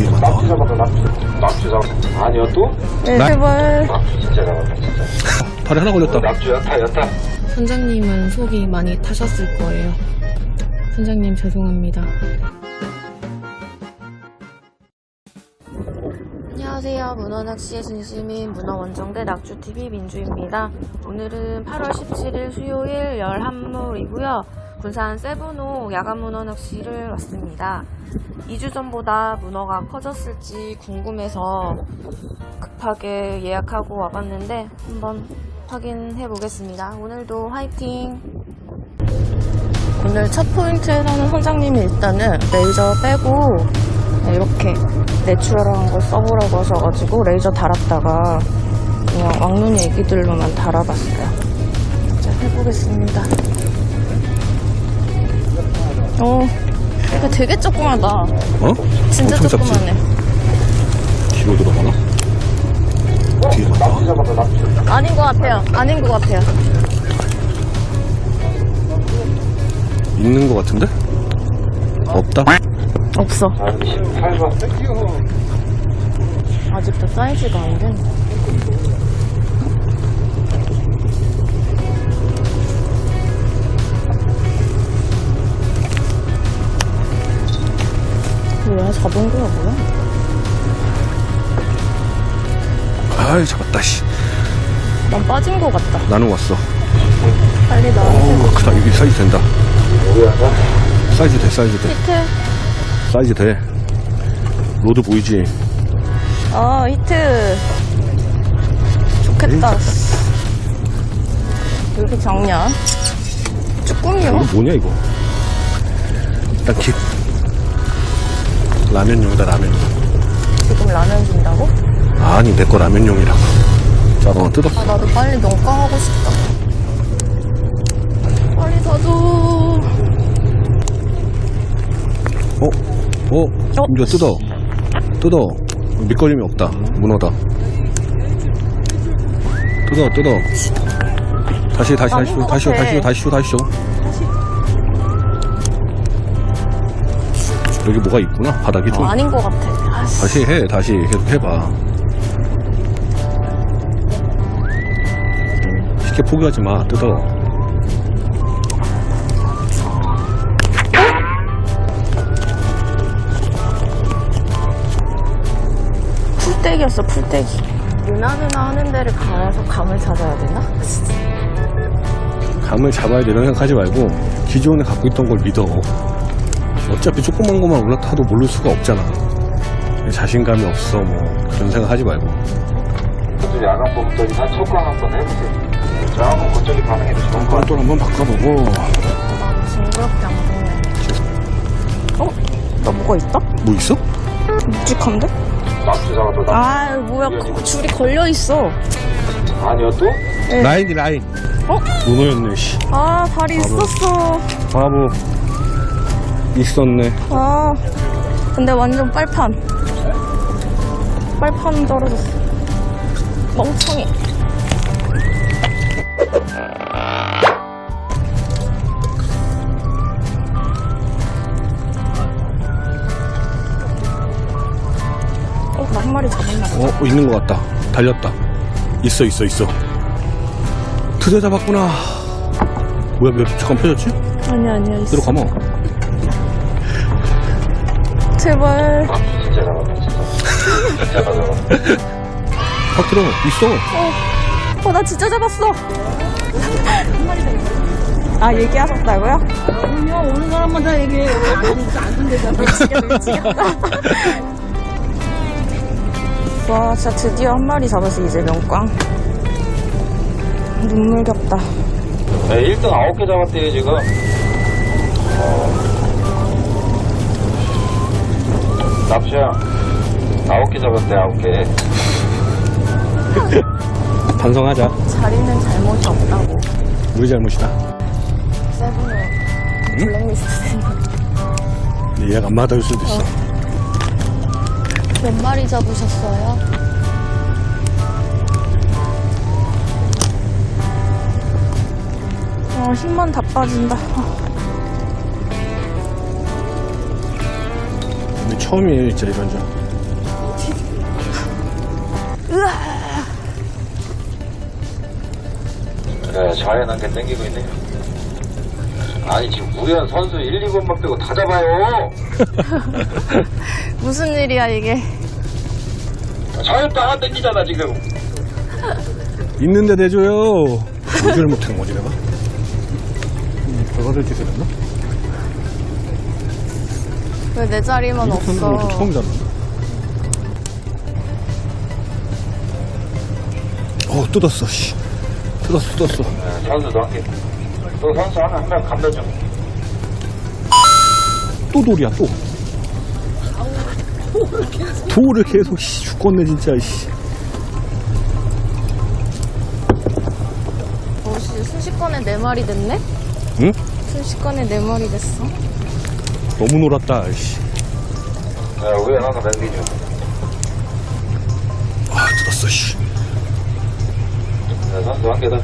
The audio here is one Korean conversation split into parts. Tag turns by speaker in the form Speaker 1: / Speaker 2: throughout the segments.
Speaker 1: 뒤에 간다.
Speaker 2: 납치 잡았다. 아니요 또?
Speaker 3: 네, 제발.
Speaker 2: 납치 진짜 잡았다 진짜.
Speaker 1: 다리 하나 걸렸다.
Speaker 2: 납치 여타.
Speaker 3: 선장님은 속이 많이 타셨을 거예요. 선장님 죄송합니다. 안녕하세요. 문어낚시의 진심인 문어원정대 낙주TV 민주입니다. 오늘은 8월 17일 수요일 11물이고요. 군산 세븐호 야간 문어 낚시를 왔습니다. 2주 전보다 문어가 커졌을지 궁금해서 급하게 예약하고 와봤는데 한번 확인해 보겠습니다. 오늘도 화이팅! 오늘 첫 포인트에서는 선장님이 일단은 레이저 빼고 이렇게 내추럴한 걸 써보라고 하셔가지고 레이저 달았다가 그냥 왕눈이 애기들로만 달아봤어요. 자, 해보겠습니다. 이거 되게 조그마다.
Speaker 1: 어?
Speaker 3: 진짜
Speaker 1: 엄청 작지?
Speaker 3: 조그마네.
Speaker 1: 뒤로 들어가나? 뒤에 간다.
Speaker 3: 아닌 것 같아요. 아닌 것 같아요.
Speaker 1: 있는 것 같은데? 없다?
Speaker 3: 없어.
Speaker 2: 아 근데 18번.
Speaker 3: 아직도 사이즈가 안 돼. 뭐야, 잡은 거야, 뭐야?
Speaker 1: 아이 잡았다 씨.
Speaker 3: 난 빠진 거 같다.
Speaker 1: 나는 왔어.
Speaker 3: 빨리 나와.
Speaker 1: 어우 크다. 이게 사이즈 된다.
Speaker 2: 뭐야?
Speaker 1: 사이즈 돼.
Speaker 3: 히트.
Speaker 1: 사이즈 돼. 로드 보이지?
Speaker 3: 히트. 좋겠다. 왜 이렇게 작냐? 쭈꾸미요?
Speaker 1: 이거 뭐냐 이거? 일단 킵. 라면용이다 라면용.
Speaker 3: 지금 라면 준다고?
Speaker 1: 아니 내 거 라면용이라고. 자, 뜯어.
Speaker 3: 아, 나도 빨리 농강하고 싶다. 빨리 사줘.
Speaker 1: 이거 뜯어. 밑걸림이 없다. 문어다. 뜯어. 다시
Speaker 3: 아닌 것 같아.
Speaker 1: 줘. 여기 뭐가 있구나. 바닥이 좀.
Speaker 3: 아닌 것 같아.
Speaker 1: 다시 해. 다시 계속 해봐. 쉽게 포기하지 마. 뜯어.
Speaker 3: 풀떼기였어, 풀떼기. 누나 하는 데를 가서 감을 찾아야 되나?
Speaker 1: 감을 잡아야 되는 생각하지 말고 기존에 갖고 있던 걸 믿어. 어차피 조그만 것만 올라타도 모를 수가 없잖아. 자신감이 없어 뭐 그런 생각하지 말고.
Speaker 2: 저도 야간 보급더니 한 첫강 한번 해보세요. 야간 그쪽이 반응이 좋은 거
Speaker 1: 또 한번 바꿔보고.
Speaker 3: 나 징그럽게 안 보네. 나 뭐가 있다?
Speaker 1: 뭐 있어?
Speaker 3: 묵직한데?
Speaker 2: 납치 잡았다.
Speaker 3: 아, 뭐야, 줄이 걸려있어.
Speaker 2: 아니요 또?
Speaker 1: 라인. 문어였네 씨.
Speaker 3: 아, 다리 있었어.
Speaker 1: 바보. 있었네.
Speaker 3: 아, 근데 완전 빨판 떨어졌어. 멍청이. 나 한 마리 잡았나 봐.
Speaker 1: 있는 것 같다. 달렸다. 있어. 드디어 잡았구나. 뭐야, 잠깐 펴졌지?
Speaker 3: 아니야, 있어.
Speaker 1: 들어가면.
Speaker 3: 제발.
Speaker 2: 납치 진짜 잡았다 진짜.
Speaker 1: 확 들어. 있어.
Speaker 3: 나 진짜 잡았어. 한 마리 더 있어. 아, 얘기하셨다고요?
Speaker 4: 그럼요. 오는 사람마다 얘기해요. 안 된대잖아.
Speaker 3: 미치겠다. 와, 진짜 드디어 한 마리 잡았어, 이제 명꽝. 눈물겹다.
Speaker 2: 네, 1등 9개 잡았대요 지금. 납치야 9개 잡았대 9개.
Speaker 1: 반성하자.
Speaker 3: 자리는 잘못이 없다고.
Speaker 1: 우리 잘못이다.
Speaker 3: 세븐은 블랙리스트.
Speaker 1: 예약 안 받을 수도 있어.
Speaker 3: 몇 마리 잡으셨어요? 힘만 다 빠진다.
Speaker 1: 근데 처음이에요, 진짜 이런 점.
Speaker 2: 네, 자연한 게 땡기고 있네요. 아니 지금 우연 선수 1, 2번만 빼고 다 잡아요.
Speaker 3: 무슨 일이야 이게.
Speaker 2: 자연 다 땡기잖아 지금.
Speaker 1: 있는데 내줘요. 보지를 못하는 거지 내가. 별거를 짓을 했나?
Speaker 3: 왜 내 자리만
Speaker 1: 이렇게 하는 것도
Speaker 3: 없어.
Speaker 1: 처음 잡는다. 뜯었어, 씨. 뜯었어.
Speaker 2: 네, 선수도 한 개. 또 선수 한 명 감면 좀.
Speaker 1: 또 돌이야, 또. 돌을 계속, 씨, 죽겠네, 진짜, 씨.
Speaker 3: 씨, 순식간에 4마리 됐네?
Speaker 1: 응?
Speaker 3: 순식간에 4마리 됐어.
Speaker 1: 너무 놀았다, 씨.
Speaker 2: 네, 우연 하나 남기죠.
Speaker 1: 뜯었어, 씨.
Speaker 2: 네, 선수 한 개 더.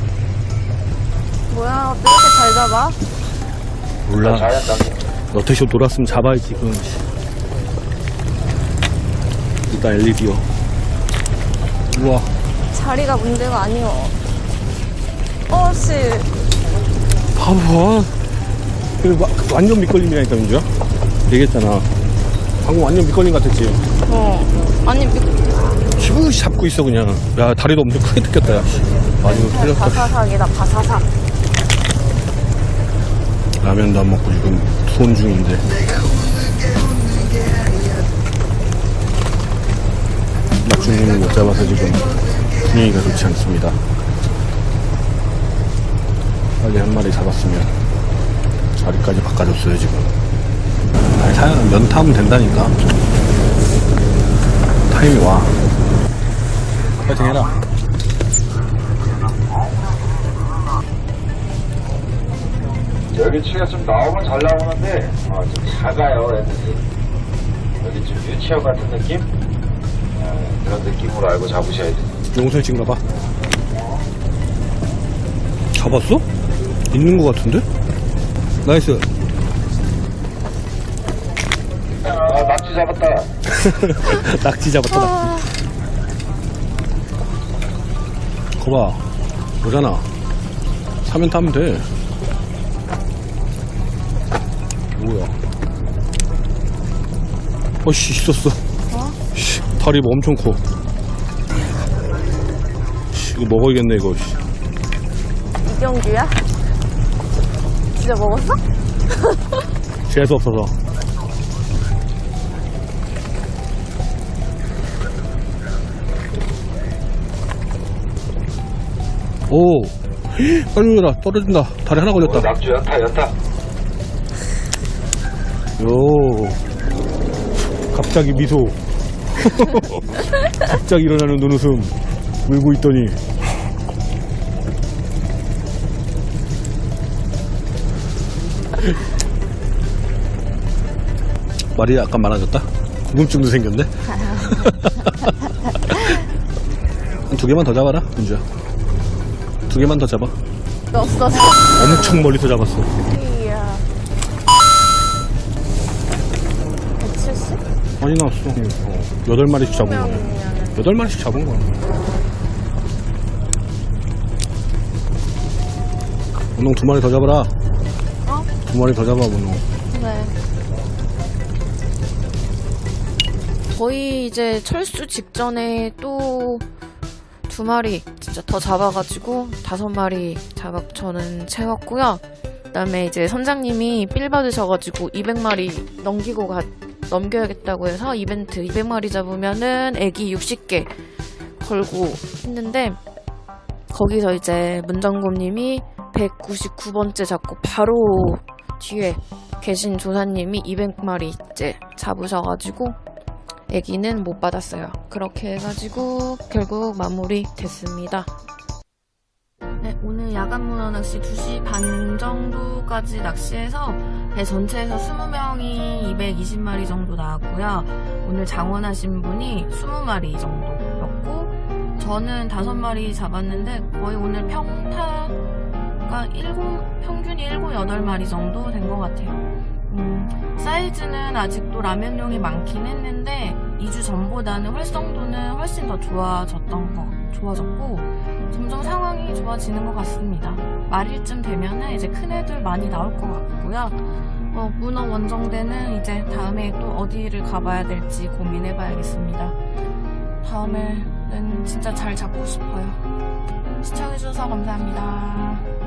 Speaker 3: 뭐야, 왜 이렇게 잘 잡아?
Speaker 1: 몰라.
Speaker 2: 자연 남기.
Speaker 1: 너트쇼 돌았으면 잡아야지, 지금. 일단 엘리디어. 우와.
Speaker 3: 자리가 문제가 아니오. 씨.
Speaker 1: 봐봐. 완전 밑걸림이라니까, 민주야? 얘기했잖아. 방금 완전 밑걸림 같았지?
Speaker 3: 아니,
Speaker 1: 시부시 잡고 있어, 그냥. 야, 다리도 엄청 크게 뜯겼다, 야. 마지막 틀렸다.
Speaker 3: 바사삭이다, 바사삭.
Speaker 1: 라면도 안 먹고 지금 수온 중인데. 낙중님을 못 잡아서 지금 분위기가 좋지 않습니다. 빨리 한 마리 잡았으면 자리까지 바꿔줬어요, 지금. 아니, 사연은 면 타면 된다니까. 타임이 와. 파이팅 해라.
Speaker 2: 여기 치가 좀 나오면 잘 나오는데 좀 작아요 애들이. 여기 좀 유치원 같은 느낌? 그런 느낌으로 알고 잡으셔야 돼요.
Speaker 1: 용선씨인가 봐. 잡았어? 있는 것 같은데? 나이스.
Speaker 2: 낙지 잡았다.
Speaker 1: 낙지 잡았다, 낙지. 거봐. 오잖아. 사면 타면 돼. 뭐야. 씨, 있었어. 씨, 다리 뭐 엄청 커. 씨, 이거 먹어야겠네, 이거. 씨.
Speaker 3: 이경규야? 진짜 먹었어?
Speaker 1: 재수 없어서. 오, 빨리 오라. 떨어진다. 다리 하나 걸렸다.
Speaker 2: 낙지 연타.
Speaker 1: 요, 갑자기 미소. 갑자기 일어나는 눈웃음. 울고 있더니. 말이 약간 많아졌다? 궁금증도 생겼네? 한 2개만 더 잡아라, 민주야. 2개만 더 잡아.
Speaker 3: 넣었어.
Speaker 1: 엄청 멀리서 잡았어.
Speaker 3: 이야. 170?
Speaker 1: 많이 나왔어. 8마리씩 잡은 거네. 8마리씩 잡은 거야. 문홍 2마리 더 잡아라. 2마리 더 잡아, 문홍.
Speaker 3: 네. 거의 이제 철수 직전에 또 2마리 진짜 더 잡아가지고 5마리 저는 채웠고요. 그다음에 이제 선장님이 필 받으셔가지고 200마리 넘겨야겠다고 해서 이벤트 200마리 잡으면은 애기 60개 걸고 했는데, 거기서 이제 문정곰님이 199번째 잡고 바로 뒤에 계신 조사님이 200마리 이제 잡으셔가지고 애기는 못 받았어요. 그렇게 해가지고 결국 마무리 됐습니다. 네, 오늘 야간 문어 낚시 2시 반 정도까지 낚시해서 배 전체에서 20명이 220마리 정도 나왔고요. 오늘 장원하신 분이 20마리 정도였고, 저는 5마리 잡았는데 거의 오늘 평균이 7, 8마리 정도 된 것 같아요. 사이즈는 아직도 라면용이 많긴 했는데 2주 전보다는 활성도는 훨씬 더 좋아졌고 점점 상황이 좋아지는 것 같습니다. 말일쯤 되면은 이제 큰 애들 많이 나올 것 같고요. 문어 원정대는 이제 다음에 또 어디를 가봐야 될지 고민해봐야겠습니다. 다음에는 진짜 잘 잡고 싶어요. 시청해주셔서 감사합니다.